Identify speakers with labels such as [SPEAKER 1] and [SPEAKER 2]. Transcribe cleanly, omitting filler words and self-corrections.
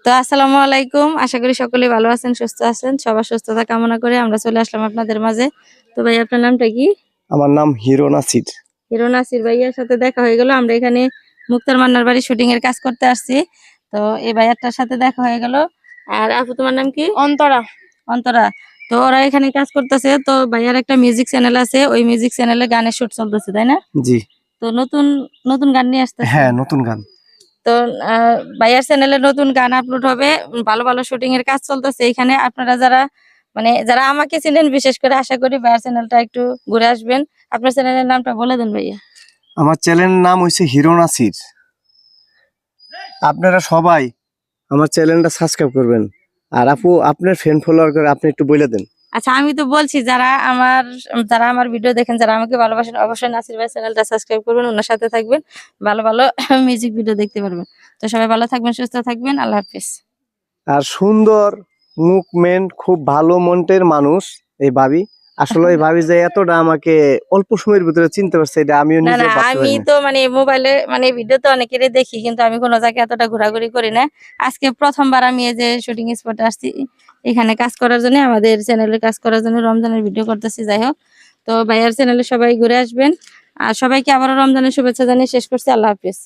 [SPEAKER 1] তো আসসালামু আলাইকুম, আশা করি সকলে ভালো আছেন, সুস্থ আছেন। সবার সুস্থতা কামনা করে আমরা চলে আসলাম আপনাদের মাঝে। তো ভাই, আপনার নামটা কি?
[SPEAKER 2] আমার নাম হিরো নাসির।
[SPEAKER 1] হিরো নাসির ভাইয়ার সাথে দেখা হয়ে গেল। আমরা এখানে মুক্তার মান্নার বাড়ি শুটিং এর কাজ করতে আসছি। তো এই ভাইয়ারটার সাথে দেখা হয়ে গেল। আর আপু, তোমার নাম কি?
[SPEAKER 3] অন্তরা।
[SPEAKER 1] অন্তরা। তো ওরা এখানে কাজ করতেছে। তো ভাইয়ার একটা মিউজিক চ্যানেল আছে, ওই মিউজিক চ্যানেলে গানের শুট চলতেছে, তাই না?
[SPEAKER 2] জি
[SPEAKER 1] তো নতুন নতুন গান নিয়ে আসতেছে।
[SPEAKER 2] হ্যাঁ, নতুন গান।
[SPEAKER 1] তো ভাইয়ার চ্যানেলে নতুন গান আপলোড হবে। ভালো ভালো শুটিং এর কাজ চলতেছে এখানে। আপনারা যারা আমাকে চিনেন, বিশেষ করে আশা করি ভাইয়ার চ্যানেলটা একটু ঘুরে আসবেন। আপনার চ্যানেলের নামটা বলে দেন ভাইয়া।
[SPEAKER 2] আমার চ্যানেলের নাম হইছে হিরো নাসির। আপনারা সবাই আমার চ্যানেলটা সাবস্ক্রাইব করবেন। আর আপু, আপনার ফ্রেন্ড ফলোয়ার করে আপনি একটু বলে দেন।
[SPEAKER 1] আচ্ছা, আমি তো বলছি, যারা আমার ভিডিও দেখেন, যারা আমাকে ভালোবাসেন, অবশ্যই নাসির ভাই চ্যানেলটা সাবস্ক্রাইব করবেন, ওনার সাথে থাকবেন, ভালো ভালো মিউজিক ভিডিও দেখতে পারবেন। তো সবাই ভালো থাকবেন, সুস্থ থাকবেন, আল্লাহ হাফিজ।
[SPEAKER 2] আর সুন্দর মুভমেন্ট, খুব ভালো মন্টের মানুষ এই ভাবি। আসলে এই ভাবি যে এতটা আমাকে অল্প সময়ের ভিতরে চিনতে পারছে, এটা আমিও
[SPEAKER 1] না
[SPEAKER 2] নিজে
[SPEAKER 1] না,
[SPEAKER 2] ভাবতে
[SPEAKER 1] আমি
[SPEAKER 2] পারি না।
[SPEAKER 1] তো মোবাইলে ভিডিও তো অনেকেরই দেখি, কিন্তু আমি কোনো জায়গায় এতটা ঘোরাঘুরি করি না। আজকে প্রথমবার আমি এই যে শুটিং স্পটে আসছি, এখানে কাজ করার জন্য, আমাদের চ্যানেলে কাজ করার জন্য, রমজানের ভিডিও করতেছি। যাই হোক, তো ভাইয়ার চ্যানেলে সবাই ঘুরে আসবেন। আর সবাইকে আবারও রমজানের শুভেচ্ছা জানিয়ে শেষ করছি। আল্লাহ হাফিজ।